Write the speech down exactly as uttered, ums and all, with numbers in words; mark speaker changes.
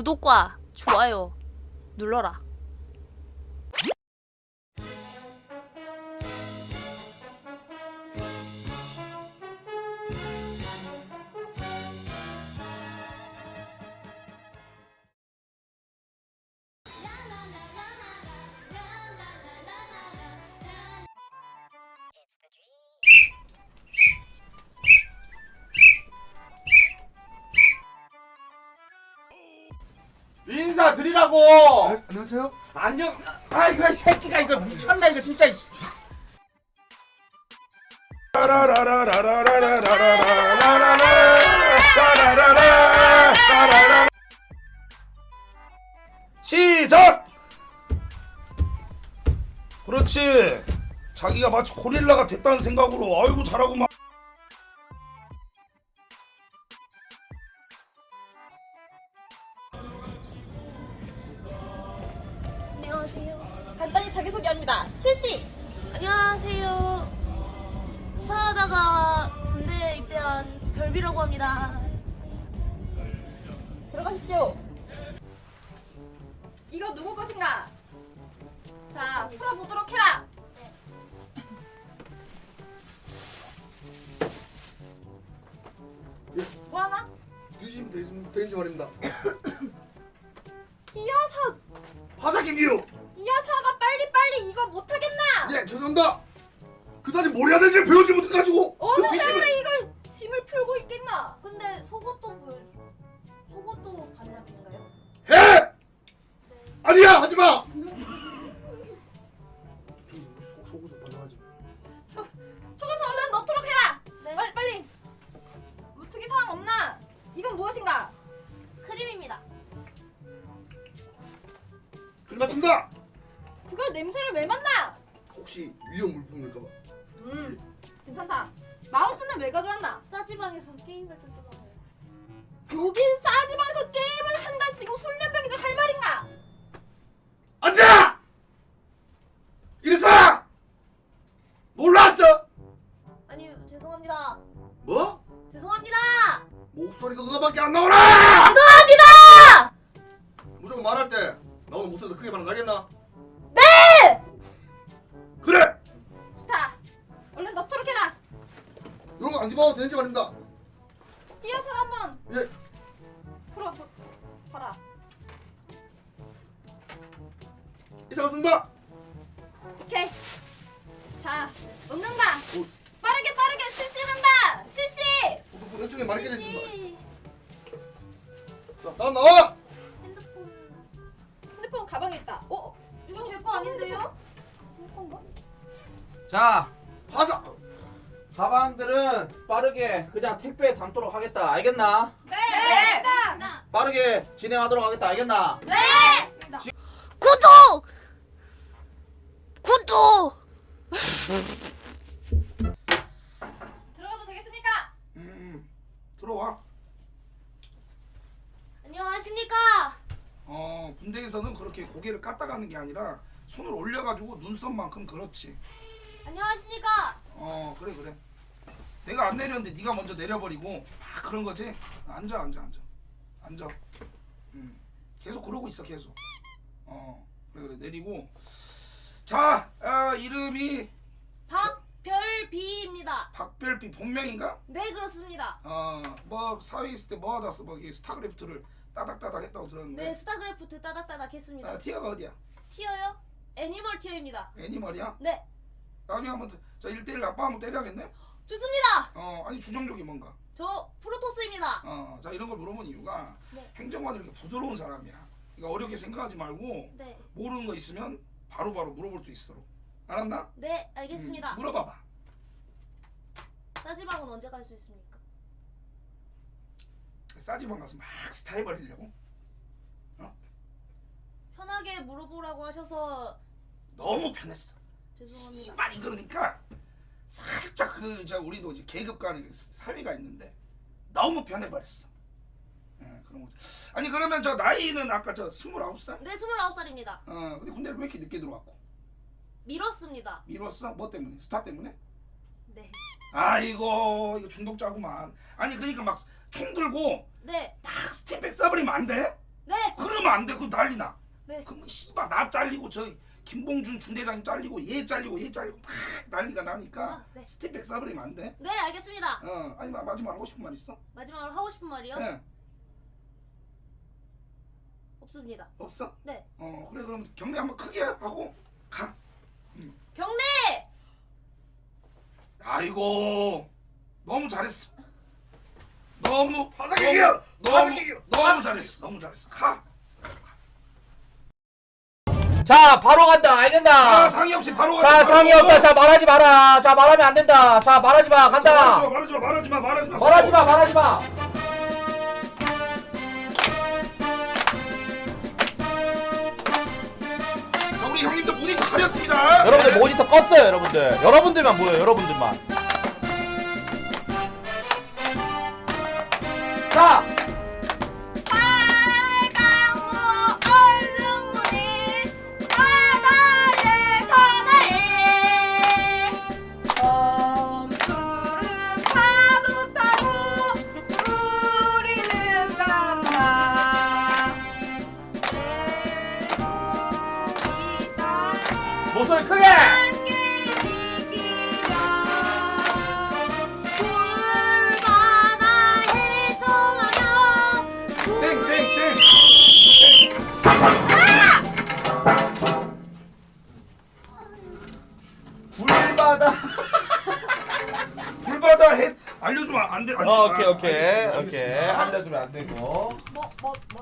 Speaker 1: 구독과 좋아요 눌러라.
Speaker 2: 인사 드리라고.
Speaker 3: 아, 안녕하세요.
Speaker 2: 안녕. 아 이거 새끼가 이거 미쳤나 이거 진짜.
Speaker 4: 시작! 그렇지. 자기가 마치 고릴라가 됐다는 생각으로 아이고 잘하구만.
Speaker 1: 안녕하세요. 간단히 자기소개합니다. 실시! 안녕하세요. 스타하다가 군대에 입대한 별비라고 합니다. 들어가십시오.
Speaker 5: 이거 누구 것인가? 자, 풀어보도록 해라!
Speaker 3: 예,
Speaker 5: 뭐하나?
Speaker 3: 뒤지면 되는, 되는지 말입니다.
Speaker 5: 이 여사!
Speaker 3: 하사 김기우.
Speaker 5: 이 여사가 빨리빨리 이거 못하겠나?
Speaker 3: 예, 죄송합니다. 그다지 뭘 해야 되는지 배우지 못해가지고.
Speaker 5: 어느
Speaker 3: 그 뒤집을-
Speaker 5: 사람이 이걸 짐을 풀고 있겠나?
Speaker 1: 근데 속옷도 보여줘. 속옷도 반납인가요?
Speaker 3: 해! 아니야, 하지 마. 속옷은 반성하지.
Speaker 5: 속에서 얼른 넣도록 해라!
Speaker 1: 네.
Speaker 5: 빨리 빨리! 무특이 사항 없나? 이건 무엇인가?
Speaker 1: 크림입니다.
Speaker 3: 끝났습니다.
Speaker 5: 그걸 냄새를 왜 맡나?
Speaker 3: 혹시 위험 물품일까봐.
Speaker 5: 음, 괜찮다. 마우스는 왜 가져왔나?
Speaker 1: 싸지방에서 게임할 때 쓰잖아요.
Speaker 5: 여긴 싸지방에서 게임을 한다 지금 훈련병이죠 할 말인가?
Speaker 3: 앉아! 이래서 몰랐어.
Speaker 1: 아니요, 죄송합니다.
Speaker 3: 뭐?
Speaker 1: 죄송합니다.
Speaker 3: 목소리가 그거밖에 안 나오나?
Speaker 1: 죄송합니다.
Speaker 3: 무조건 말할 때 나오는 목소리도 크게 말은 나겠나?
Speaker 1: 네!
Speaker 3: 그래!
Speaker 5: 좋다. 얼른 넣도록 해라.
Speaker 3: 이런 거 안 집어도 되는지 말입니다.
Speaker 5: 이 여사 한번
Speaker 3: 예.
Speaker 5: 풀어 보, 봐라.
Speaker 3: 이상했습니다.
Speaker 5: 오케이. 자, 넣는가?
Speaker 3: 오.
Speaker 5: 빠르게 빠르게 실시한다. 실시.
Speaker 3: 왼쪽에 많이 깨져 있습니다. 자, 다음 나와!
Speaker 1: 핸드폰.
Speaker 5: 핸드폰 가방에 있다. 어?
Speaker 1: 이거 제 거 아닌데요?
Speaker 5: 내 건가?
Speaker 2: 자
Speaker 3: 하사!
Speaker 2: 가방들은 빠르게 그냥 택배에 담도록 하겠다. 알겠나?
Speaker 5: 네. 네.
Speaker 2: 빠르게 진행하도록 하겠다. 알겠나?
Speaker 5: 네.
Speaker 1: 구독! 구독!
Speaker 5: 들어가도 되겠습니까?
Speaker 4: 음, 들어와.
Speaker 1: 안녕하십니까?
Speaker 4: 어, 군대에서는 그렇게 고개를 까딱하는 게 아니라 손을 올려가지고 눈썹만큼 그렇지.
Speaker 1: 안녕하십니까?
Speaker 4: 어, 그래 그래. 내가 안 내렸는데 네가 먼저 내려버리고 막 그런 거지. 앉아 앉아 앉아 앉아. 음, 계속 그러고 있어 계속. 어, 그래 그래 내리고. 자, 아, 이름이
Speaker 1: 박별비입니다.
Speaker 4: 박별비 본명인가?
Speaker 1: 네, 그렇습니다.
Speaker 4: 어, 뭐 사회에 있을 때 뭐 하다 써? 뭐 이게 스타크래프트를 따닥따닥 했다고 들었는데.
Speaker 1: 네, 스타크래프트 따닥따닥 했습니다.
Speaker 4: 아, 티어가 어디야?
Speaker 1: 티어요? 애니멀 티어입니다.
Speaker 4: 애니멀이야?
Speaker 1: 네,
Speaker 4: 나중에 한번 저 일 대일 아빠 한번 때려야겠네?
Speaker 1: 좋습니다.
Speaker 4: 어, 아니 주정족이 뭔가?
Speaker 1: 저 프로토스입니다.
Speaker 4: 어, 자 이런 걸 물어본 이유가
Speaker 1: 네.
Speaker 4: 행정관이 이렇게 부드러운 사람이야. 그러니까 어렵게 생각하지 말고
Speaker 1: 네,
Speaker 4: 모르는 거 있으면 바로바로 물어볼 수 있도록. 알았나?
Speaker 1: 네, 알겠습니다.
Speaker 4: 음, 물어봐봐.
Speaker 1: 싸지방은 언제 갈 수 있습니까?
Speaker 4: 싸지방 가서 막 스타일 버리려고?
Speaker 1: 편하게 물어보라고 하셔서
Speaker 4: 너무 편했어.
Speaker 1: 죄송합니다.
Speaker 4: 씨발 이거니까 살짝 그 저 우리도 이제 계급 간의 그 사회가 있는데 너무 변해버렸어. 예, 그런 거. 아니 그러면 저 나이는 아까 저 스물아홉 살?
Speaker 1: 네, 스물아홉 살입니다.
Speaker 4: 어, 근데 군대를 왜 이렇게 늦게 들어왔고?
Speaker 1: 미뤘습니다.
Speaker 4: 미뤘어? 뭐 때문에? 스타 때문에?
Speaker 1: 네,
Speaker 4: 아이고 이거 중독자구만. 아니 그러니까 막 총 들고
Speaker 1: 네,
Speaker 4: 막 스팀백 써버리면 안 돼?
Speaker 1: 네.
Speaker 4: 그러면 안 돼. 그럼 난리나.
Speaker 1: 네.
Speaker 4: 그럼 씨발 나 잘리고 저 김봉준 중대장 잘리고 얘 잘리고 얘 잘리고 막 난리가 나니까
Speaker 1: 아, 네.
Speaker 4: 스텝백 싸버리면 안 돼.
Speaker 1: 네, 알겠습니다.
Speaker 4: 어 아니 마- 마지막 하고 싶은 말 있어?
Speaker 1: 마지막으로 하고 싶은 말이요?
Speaker 4: 네.
Speaker 1: 없습니다.
Speaker 4: 없어?
Speaker 1: 네.
Speaker 4: 어 그래 그럼 경례 한번 크게 하고 가.
Speaker 1: 경례!
Speaker 4: 아이고 너무 잘했어. 너무
Speaker 3: 화사기기요!
Speaker 4: 너무
Speaker 3: 화사기기요!
Speaker 4: 너무 잘했어. 너무 잘했어. 가.
Speaker 2: 자 바로 간다 알겠나?
Speaker 4: 아 상의 없이 바로 가.
Speaker 2: 자 상의 없다. 자 말하지 마라. 자 말하면 안 된다. 자 말하지 마. 간다.
Speaker 4: 말하지 마 말하지 마 말하지 마
Speaker 2: 말하지 마. 말하지 마.
Speaker 4: 자 우리 형님들 문이 가렸습니다.
Speaker 2: 여러분들 모니터 껐어요. 여러분들. 여러분들만 보여요. 여러분들만. 자.
Speaker 5: 빨강무 얼룩무늬 바다에 사나이 엄푸른 파도 타고 우리는 간다 내목이 땅에
Speaker 2: 목소리 크게.
Speaker 5: 함께 지키며 물바다에 정하며
Speaker 4: 땡땡땡.
Speaker 2: 불바다.
Speaker 4: 불바다 해 알려주면 안 돼. 안 돼.
Speaker 2: 어, 오케이
Speaker 4: 아,
Speaker 2: 오케이
Speaker 4: 알겠습니다,
Speaker 2: 오케이.
Speaker 4: 알겠습니다.
Speaker 2: 알려주면 안 되고.
Speaker 5: 뭐, 뭐, 뭐.